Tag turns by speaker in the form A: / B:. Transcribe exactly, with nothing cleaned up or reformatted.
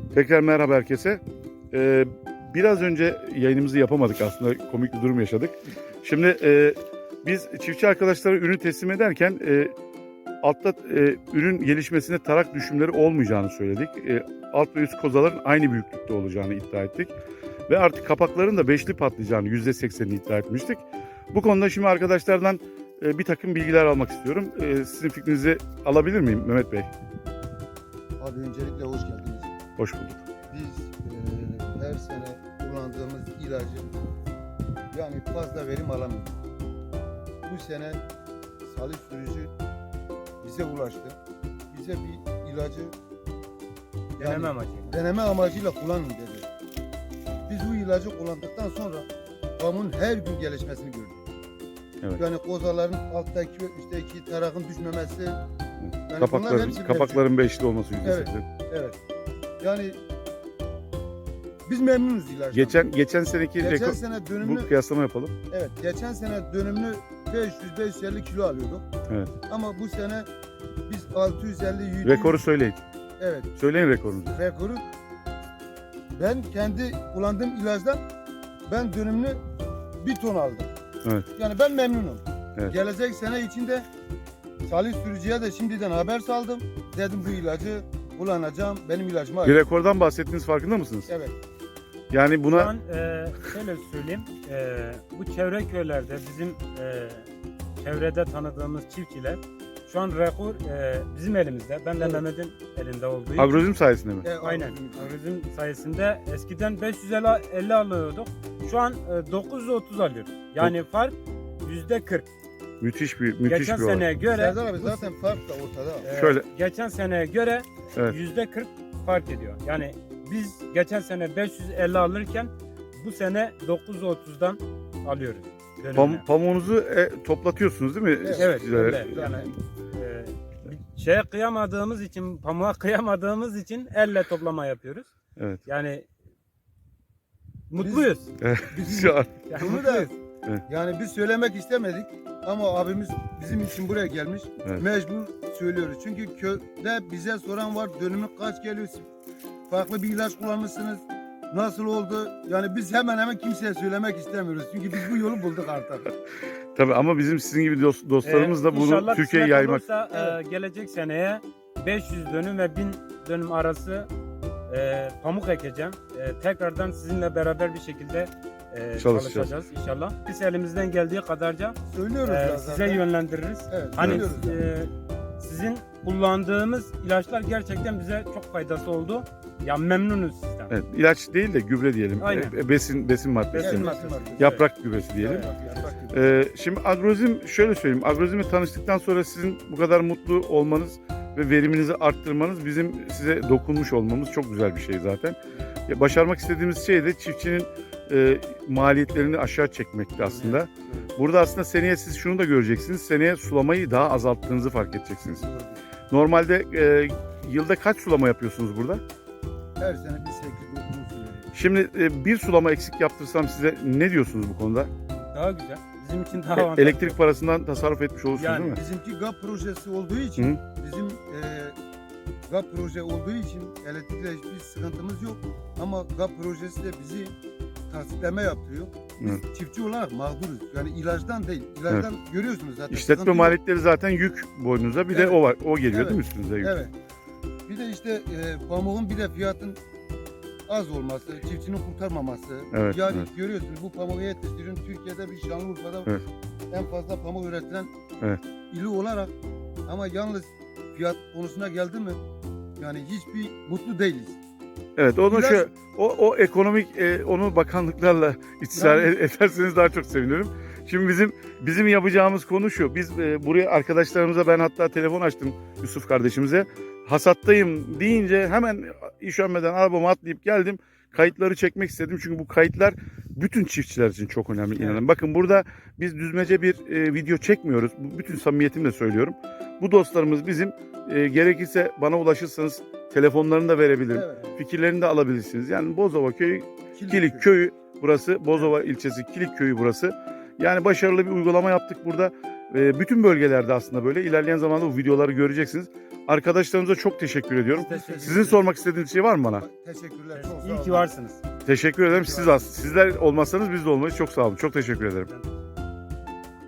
A: Tekrar merhaba herkese. Ee, biraz önce yayınımızı yapamadık aslında, komik bir durum yaşadık. Şimdi e, biz çiftçi arkadaşlara ürün teslim ederken e, altta e, ürün gelişmesinde tarak düşümleri olmayacağını söyledik. E, alt ve üst kozaların aynı büyüklükte olacağını iddia ettik. Ve artık kapakların da beşli patlayacağını yüzde seksenini iddia etmiştik. Bu konuda şimdi arkadaşlardan e, bir takım bilgiler almak istiyorum. E, sizin fikrinizi alabilir miyim Mehmet Bey?
B: Abi öncelikle hoş geldiniz.
A: Hoş bulduk.
B: Biz e, her sene kullandığımız ilacı yani fazla verim alamıyoruz. Bu sene Salih sürücü bize ulaştı. Bize bir ilacı yani
C: Deneme amacıyla.
B: deneme amacıyla kullanın dedi. Biz bu ilacı kullandıktan sonra pamuğun her gün gelişmesini gördük.
A: Evet.
B: Yani kozaların alttaki ve üstteki tarakın düşmemesi. Yani bunların
A: Kapakların,
B: hepsi
A: kapakların beşli olması yüzde
B: Evet.
A: seksen.
B: Evet. Yani biz memnunuz ilaçtan.
A: Geçen geçen seneki
B: Geçen
A: rekor,
B: sene
A: bu
B: dönümlü
A: kıyaslama yapalım.
B: evet geçen sene dönümlü beş yüz beş yüz elli kilo alıyorduk.
A: Evet.
B: Ama bu sene biz altı yüz elli yüz
A: Rekoru söyleyin.
B: evet
A: Söyleyin rekorunuzu.
B: rekoru ben kendi kullandığım ilaçtan ben dönümlü bir ton aldım.
A: Evet.
B: Yani ben memnunum.
A: Evet.
B: Gelecek sene içinde Salih sürücüye de şimdiden haber saldım. Dedim bu ilacı kullanacağım. Benim ilacıma
A: Bir
B: ait.
A: rekordan bahsettiğiniz farkında mısınız?
B: Evet.
A: Yani
C: Şu
A: buna
C: an e, şöyle söyleyeyim, e, bu çevre köylerde bizim e, çevrede tanıdığımız çiftçiler şu an rekor e, bizim elimizde. Ben de
B: Evet.
C: Mehmet'in elinde olduğu için.
A: agrozim sayesinde mi?
B: E,
C: Aynen.
B: agrozim.
C: Agrozim sayesinde eskiden beş yüz elli alıyorduk. Şu an e, dokuz yüz otuz alıyoruz. Yani fark yüzde kırk.
A: Müthiş bir müthiş
C: Geçen
A: bir olay.
C: seneye göre
B: Serdar abi
C: bu-
B: zaten fark da ortada.
C: e,
A: Şöyle.
C: geçen seneye göre
A: Evet.
C: yüzde kırk fark ediyor. Yani biz geçen sene beş yüz elli alırken bu sene dokuz yüz otuzdan alıyoruz. dönümüne.
A: Pam, pamuğunuzu e, toplatıyorsunuz değil mi?
B: Evet.
C: Evet,
A: çiftçilere?
C: öyle. Yani e, bir şeye kıyamadığımız için, pamuğa kıyamadığımız için elle toplama yapıyoruz.
A: Evet.
C: Yani mutluyuz.
A: Şu an.
C: Yani
B: Bunu da
C: mutluyuz.
B: yani biz söylemek istemedik ama abimiz bizim için buraya gelmiş.
A: Evet.
B: Mecbur söylüyoruz. Çünkü köyde bize soran var dönümü kaç geliyor? Farklı bir ilaç kullanmışsınız. Nasıl oldu? Yani biz hemen hemen kimseye söylemek istemiyoruz. Çünkü biz bu yolu bulduk artık.
A: Tabii ama bizim sizin gibi dost, dostlarımız da
C: Ee,
A: bunu
C: inşallah
A: Türkiye'ye
C: kısmet
A: yaymak.
C: olursa, e, gelecek seneye beş yüz dönüm ve bin dönüm arası e, pamuk ekeceğim. E, tekrardan sizinle beraber bir şekilde e,
A: Çalışacağız.
C: çalışacağız inşallah. Biz elimizden geldiği kadarca
B: Söylüyoruz
C: e,
B: ya
C: size
B: zaten.
C: yönlendiririz.
B: Evet,
C: Hani
B: söylüyoruz ya.
C: e, sizin kullandığımız ilaçlar gerçekten bize çok faydası oldu. Ya memnunuz sizden.
A: Evet, ilaç değil de gübre diyelim.
C: Aynen.
A: E, besin besin maddesi.
C: Besin
B: Evet,
C: maddesi.
B: besin maddesi.
A: Yaprak gübresi diyelim.
C: Evet.
B: Yaprak gibi.
A: Ee, şimdi agrozim şöyle söyleyeyim. Agrozimle tanıştıktan sonra sizin bu kadar mutlu olmanız ve veriminizi arttırmanız bizim size dokunmuş olmamız çok güzel bir şey zaten. Ya, başarmak istediğimiz şey de çiftçinin e, maliyetlerini aşağı çekmekti aslında. Burada aslında seneye siz şunu da göreceksiniz. Seneye sulamayı daha azalttığınızı fark edeceksiniz. Normalde e, yılda kaç sulama yapıyorsunuz burada?
B: Her sene bir sekiz dokuz söylüyoruz.
A: Şimdi e, bir sulama eksik yaptırsam size ne diyorsunuz bu konuda?
C: Daha güzel. Bizim için daha
A: E,
C: avantajlı.
A: elektrik parasından tasarruf etmiş olursunuz
C: Yani
A: değil mi?
B: Bizimki GAP projesi olduğu için
A: Hı.
B: bizim e, GAP proje olduğu için elektrikle hiçbir sıkıntımız yok. Ama GAP projesi de bizi tasdikleme yaptırıyor. Biz
A: Evet.
B: çiftçi olarak mağduruz. Yani ilaçtan değil. İlaçtan görüyorsunuz zaten.
A: İşletme
B: sıkıntı yok.
A: maliyetleri zaten yük boynunuza. Bir de
B: Evet.
A: o var. O geliyor
B: Evet.
A: değil mi üstünüze yük?
B: Evet. Bir de işte e, pamuğun bir de fiyatın az olması, çiftçinin kurtarmaması.
A: Evet,
B: yani
A: evet.
B: görüyorsunuz bu pamuğu yetiştiriyorsun. Türkiye'de bir Şanlıurfa'da
A: Evet.
B: en fazla pamuk üretilen
A: Evet.
B: ili olarak ama yalnız fiyat konusuna geldi mi yani hiçbir mutlu değiliz.
A: Evet, onu
B: İlaç-
A: şu o, o ekonomik e, onu bakanlıklarla istismar
B: Yani-
A: e- ederseniz daha çok sevinirim. Şimdi bizim bizim yapacağımız konu şu. Biz e, buraya arkadaşlarımıza ben hatta telefon açtım Yusuf kardeşimize. Hasattayım deyince hemen işönmeden arabama atlayıp geldim. Kayıtları çekmek istedim çünkü bu kayıtlar bütün çiftçiler için çok önemli
C: Evet.
A: inanın. Bakın burada biz düzmece bir e, video çekmiyoruz. Bu, bütün samimiyetimle söylüyorum. Bu dostlarımız bizim e, gerekirse bana ulaşırsanız telefonlarını da verebilirim.
B: Evet.
A: Fikirlerini de alabilirsiniz. Yani Bozova köyü,
B: Kilit
A: Kilik köyü burası. Bozova ilçesi Kilik köyü burası. Yani başarılı bir uygulama yaptık burada. E, bütün bölgelerde aslında böyle. İlerleyen zamanda bu videoları göreceksiniz. Arkadaşlarımıza çok teşekkür ediyorum.
C: Teşekkür
A: Sizin sormak istediğiniz şey var mı bana?
B: Teşekkürler. Çok sağ
C: İyi ki
B: olun.
C: varsınız.
A: Teşekkür ederim. Siz az. Sizler olmazsanız biz de olmayız. Çok sağ olun. Çok teşekkür ederim.
C: Ben-